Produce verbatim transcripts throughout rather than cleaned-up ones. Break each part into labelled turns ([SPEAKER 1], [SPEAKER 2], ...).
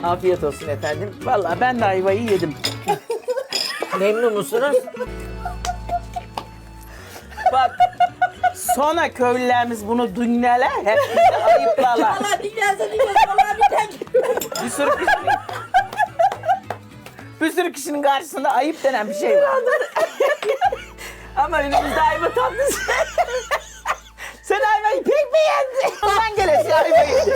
[SPEAKER 1] Afiyet olsun efendim.
[SPEAKER 2] Vallahi ben de ayvayı yedim.
[SPEAKER 1] Memnun musunuz?
[SPEAKER 2] Bak sonra köylülerimiz bunu dinlerler, hep bizi ayıplarlar.
[SPEAKER 3] Allah dinlerse dinlerse Allah biter.
[SPEAKER 2] Bir sürü kişinin, bir sürü kişinin karşısında ayıp denen bir şey var.
[SPEAKER 1] Ama önümüzde ayva tatlısı.
[SPEAKER 2] Sen ayvayı pek mi yedin? Ondan gelesi ayvayı yedin.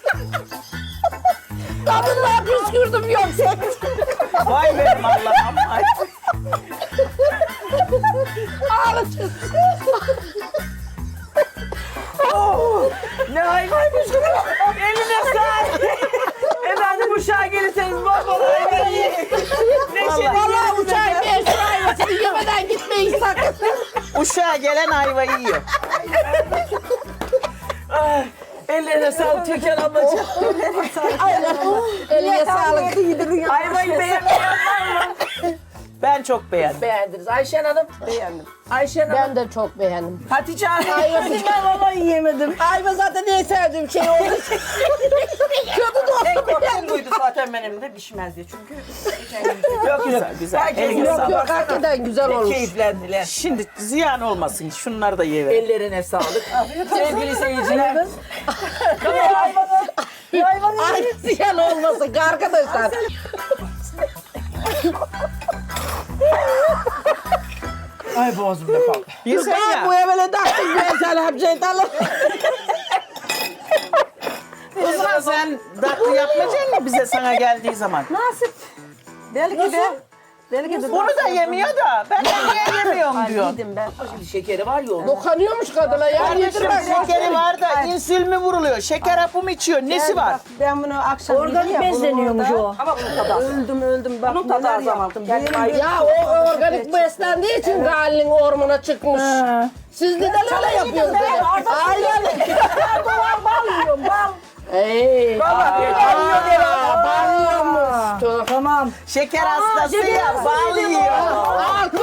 [SPEAKER 3] Tadından püskürdüm yoksa.
[SPEAKER 2] Vay benim Allah'ım. Ay.
[SPEAKER 3] Ağlatıyorsun.
[SPEAKER 1] Ne ayvaymış kızım.
[SPEAKER 2] Eline sağlık. Efendim uşağa gelirseniz bol bol ayva yiyin. Neşeli
[SPEAKER 3] Vallahi uçağı bir şu ayvasını yemeden gitmeyin sakın.
[SPEAKER 2] uşağa gelen ayvayı yiyor.
[SPEAKER 1] Ay, ellerine sağlık Türkan ablacığım.
[SPEAKER 3] Eline sağlık.
[SPEAKER 1] Ayvayı beğenmeyen var mı?
[SPEAKER 2] Ben çok beğendim.
[SPEAKER 1] Beğendiniz. Ayşen Hanım.
[SPEAKER 3] Beğendim.
[SPEAKER 1] Ayşen Hanım.
[SPEAKER 3] Ben de çok beğendim.
[SPEAKER 1] Hatice Hanım.
[SPEAKER 3] Ayvasını ben vallahi yiyemedim. Ayva zaten en sevdiğim şey olduğu için. Kötü de olsa
[SPEAKER 1] Tek korkum
[SPEAKER 3] beğendim.
[SPEAKER 1] buydu zaten benim de pişmez diye çünkü.
[SPEAKER 2] Yok güzel güzel.
[SPEAKER 1] Herkes
[SPEAKER 2] Eline
[SPEAKER 1] yok,
[SPEAKER 2] sağlık.
[SPEAKER 3] Yok hakikaten güzel olmuş.
[SPEAKER 1] Keyiflendiler.
[SPEAKER 2] Şimdi ziyan olmasın. Şunları da ye ver.
[SPEAKER 1] Ellerine sağlık. Sevgili seyirciler.
[SPEAKER 3] Ay ziyan olmasın arkadaşlar.
[SPEAKER 1] Ay boğazımda kaldı.
[SPEAKER 2] Yesen
[SPEAKER 3] Ben bu
[SPEAKER 2] ya.
[SPEAKER 3] evvela taktım ben sana bir şey tanım.
[SPEAKER 2] O zaman sen tatlı yapmayacaksın mı bize sana geldiği zaman?
[SPEAKER 3] Nasip. Belki de. Belki de.
[SPEAKER 2] Onu da yemiyor da ben de niye yemiyorum diyor.
[SPEAKER 3] Yedim ben.
[SPEAKER 1] Şimdi şekeri var ya onun.
[SPEAKER 3] Dokanıyormuş kadına ya.
[SPEAKER 2] Kardeşim
[SPEAKER 3] Yedirmez.
[SPEAKER 2] şekeri var da insülin mi vuruluyor? Şeker hapı mı içiyor? Nesi var?
[SPEAKER 4] Bak, ben bunu akşam
[SPEAKER 3] Organik
[SPEAKER 4] yedim ya, bunu
[SPEAKER 3] besleniyormuş
[SPEAKER 4] orada
[SPEAKER 3] o.
[SPEAKER 1] Ama bunun tadı az.
[SPEAKER 4] Öldüm öldüm bak
[SPEAKER 1] Bunun tadı
[SPEAKER 4] neler
[SPEAKER 1] az ama.
[SPEAKER 4] yaptım.
[SPEAKER 1] Kendim
[SPEAKER 4] Benim
[SPEAKER 1] ayrı-
[SPEAKER 4] bir-
[SPEAKER 3] Ya o organik beslendiği için Galil'in ormana çıkmış. Siz neden öyle yapıyorsunuz? Aynen.
[SPEAKER 4] Doğal bal yiyorum bal.
[SPEAKER 3] Ey.
[SPEAKER 1] Vallahi
[SPEAKER 3] Aa, Bağlıyormuş. Tüh.
[SPEAKER 4] Tamam.
[SPEAKER 2] Şeker hastası ya bal yiyor.
[SPEAKER 3] Alkış.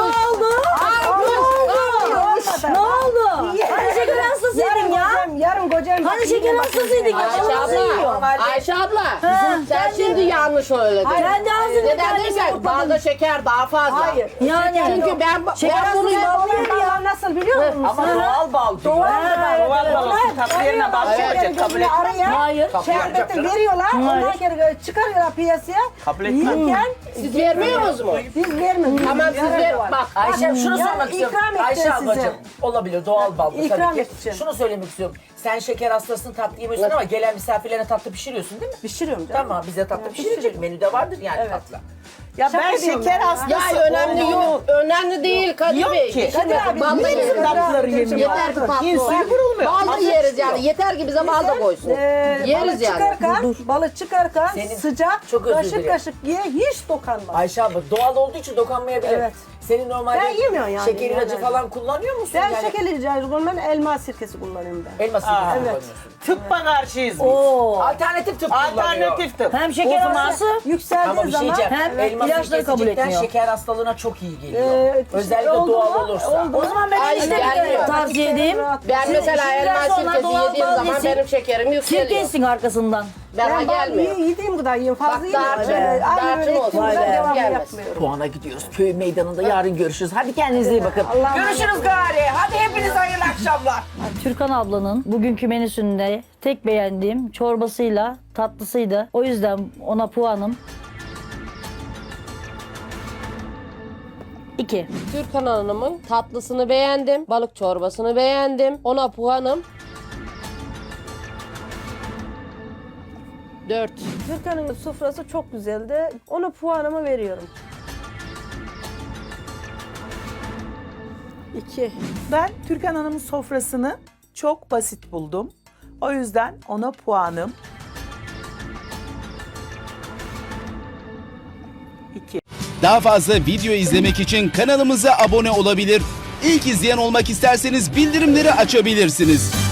[SPEAKER 3] Alkış.
[SPEAKER 4] Ne oldu?
[SPEAKER 3] Hani şeker hastasıydın ya.
[SPEAKER 4] Kocam, yarın kocam.
[SPEAKER 3] Hani şeker hastasıydın ya. Ayşe abla. Ayşe abla. Sen şimdi yanlış söyledin.
[SPEAKER 4] Sen de ağzını
[SPEAKER 3] Neden
[SPEAKER 4] kendine
[SPEAKER 3] dersen
[SPEAKER 4] sokmadın.
[SPEAKER 3] balda şeker daha fazla.
[SPEAKER 4] Hayır.
[SPEAKER 3] Yani. Çünkü ben, ben bunu
[SPEAKER 4] Bunun balı nasıl biliyor musun?
[SPEAKER 1] Ama doğal bal diyor.
[SPEAKER 2] Doğal bal olsun. Tatlı yerine bal koyacak. Kabul et.
[SPEAKER 4] Hayır. Şerbeti veriyorlar. Ondan sonra çıkarıyorlar piyasaya.
[SPEAKER 2] Kabul etmem.
[SPEAKER 4] Yiyken
[SPEAKER 3] siz vermiyor musunuz?
[SPEAKER 4] biz vermiyoruz.
[SPEAKER 3] Tamam siz ver. Bak.
[SPEAKER 1] Ayşem şunu
[SPEAKER 4] Ya,
[SPEAKER 1] sormak istiyorum.
[SPEAKER 4] ikram etti
[SPEAKER 1] Ayşe
[SPEAKER 4] size.
[SPEAKER 1] ablacığım olabilir doğal bal bu
[SPEAKER 4] İkram
[SPEAKER 1] tabii ki.
[SPEAKER 4] edeceğim.
[SPEAKER 1] Şunu söylemek istiyorum. Sen şeker hastasın tatlı yemiyorsun ama gelen misafirlerine tatlı pişiriyorsun değil mi?
[SPEAKER 4] Pişiriyorum canım.
[SPEAKER 1] Tamam bize tatlı
[SPEAKER 4] Evet,
[SPEAKER 1] pişirecek.
[SPEAKER 4] pişiririm.
[SPEAKER 1] Menüde vardır yani
[SPEAKER 4] Evet.
[SPEAKER 1] tatlı.
[SPEAKER 2] Ya ben
[SPEAKER 4] Şaka diyorum
[SPEAKER 2] şeker
[SPEAKER 4] ya.
[SPEAKER 2] hastası
[SPEAKER 3] Ya önemli
[SPEAKER 2] olduğunu-
[SPEAKER 3] yok. Önemli değil Kadir
[SPEAKER 2] Yok
[SPEAKER 3] Bey.
[SPEAKER 2] ki.
[SPEAKER 3] Şimdi
[SPEAKER 4] Kadir abi,
[SPEAKER 3] bal da
[SPEAKER 4] bizim
[SPEAKER 3] yeriz.
[SPEAKER 2] tatlıları yemiyor.
[SPEAKER 3] Yeter ki tatlı
[SPEAKER 2] İnsülin
[SPEAKER 3] olsun.
[SPEAKER 2] vurulmuyor.
[SPEAKER 3] Bal da
[SPEAKER 2] Hazır
[SPEAKER 3] yeriz
[SPEAKER 2] çıkıyor.
[SPEAKER 3] yani. Yeter ki bize bal da koysun.
[SPEAKER 4] Ee,
[SPEAKER 3] Yeriz
[SPEAKER 4] balı
[SPEAKER 3] yani.
[SPEAKER 4] çıkarken, balı çıkarken
[SPEAKER 1] Senin-
[SPEAKER 4] sıcak,
[SPEAKER 1] Çok özür
[SPEAKER 4] kaşık
[SPEAKER 1] dilerim.
[SPEAKER 4] kaşık ye, hiç dokanma.
[SPEAKER 1] Ayşe abla doğal olduğu için dokanmayabilir.
[SPEAKER 4] Evet.
[SPEAKER 1] Senin normalde
[SPEAKER 4] Ben yemiyorum yani,
[SPEAKER 1] şeker ilacı
[SPEAKER 4] yani.
[SPEAKER 1] falan kullanıyor musun?
[SPEAKER 4] Ben
[SPEAKER 1] yani?
[SPEAKER 4] şekerli ilacı kullanmam, elma sirkesi kullanıyorum ben.
[SPEAKER 1] Elma sirkesi
[SPEAKER 2] Aa,
[SPEAKER 1] kullanıyorsun.
[SPEAKER 2] Tıbba karşıyız biz.
[SPEAKER 1] Alternatif tıp kullanıyor.
[SPEAKER 2] Alternatif tıp.
[SPEAKER 5] Hem şeker
[SPEAKER 2] O zaman-
[SPEAKER 5] hastası
[SPEAKER 4] Yükseldiği
[SPEAKER 1] Ama bir şey
[SPEAKER 4] zaman
[SPEAKER 1] diyeceğim.
[SPEAKER 5] hem
[SPEAKER 1] Elma
[SPEAKER 5] ilaçları
[SPEAKER 1] sirkesi
[SPEAKER 5] kabul
[SPEAKER 1] cidden
[SPEAKER 5] etmiyor.
[SPEAKER 1] şeker hastalığına çok iyi geliyor.
[SPEAKER 4] Ee,
[SPEAKER 1] Özellikle
[SPEAKER 4] oldu
[SPEAKER 1] doğal
[SPEAKER 4] mu?
[SPEAKER 1] olursa.
[SPEAKER 4] Oldu.
[SPEAKER 5] O zaman ben
[SPEAKER 3] Ay,
[SPEAKER 5] enişte
[SPEAKER 3] gelmiyor.
[SPEAKER 5] tavsiye edeyim.
[SPEAKER 3] Ben mesela
[SPEAKER 5] şimdiden
[SPEAKER 3] elma
[SPEAKER 5] sonra
[SPEAKER 3] sirkesi
[SPEAKER 5] doğal
[SPEAKER 3] yediğim
[SPEAKER 5] bal
[SPEAKER 3] zaman
[SPEAKER 5] yesin.
[SPEAKER 3] benim şekerim yükseliyor.
[SPEAKER 5] Sirke içsin arkasından.
[SPEAKER 3] Bana
[SPEAKER 4] Ben bal
[SPEAKER 3] gelmiyor.
[SPEAKER 4] ye- yediğim kadar yiyorum, fazla
[SPEAKER 3] Bak,
[SPEAKER 4] yemiyorum.
[SPEAKER 3] darçın-
[SPEAKER 4] Ee, aynı
[SPEAKER 3] darçın
[SPEAKER 4] böyle
[SPEAKER 3] olsun.
[SPEAKER 4] ektiğim
[SPEAKER 3] Vay
[SPEAKER 4] kadar
[SPEAKER 3] be,
[SPEAKER 4] devamlı
[SPEAKER 3] gelmez.
[SPEAKER 4] yapmıyorum.
[SPEAKER 1] Puana gidiyoruz. Köy meydanında yarın görüşürüz. Hadi kendinize iyi bakın.
[SPEAKER 4] Allah'a
[SPEAKER 1] Görüşürüz gari. Hadi hepiniz hayırlı akşamlar.
[SPEAKER 5] Türkan ablanın bugünkü menüsünde tek beğendiğim çorbasıyla tatlısıydı. O yüzden ona puanım iki.
[SPEAKER 3] Türkan Hanım'ın tatlısını beğendim. Balık çorbasını beğendim. Ona puanım dört.
[SPEAKER 4] Türkan'ın sofrası çok güzeldi. Ona puanımı veriyorum. İki.
[SPEAKER 2] Ben Türkan Hanım'ın sofrasını çok basit buldum. O yüzden ona puanım iki.
[SPEAKER 6] Daha fazla video izlemek için kanalımıza abone olabilir. İlk izleyen olmak isterseniz bildirimleri açabilirsiniz.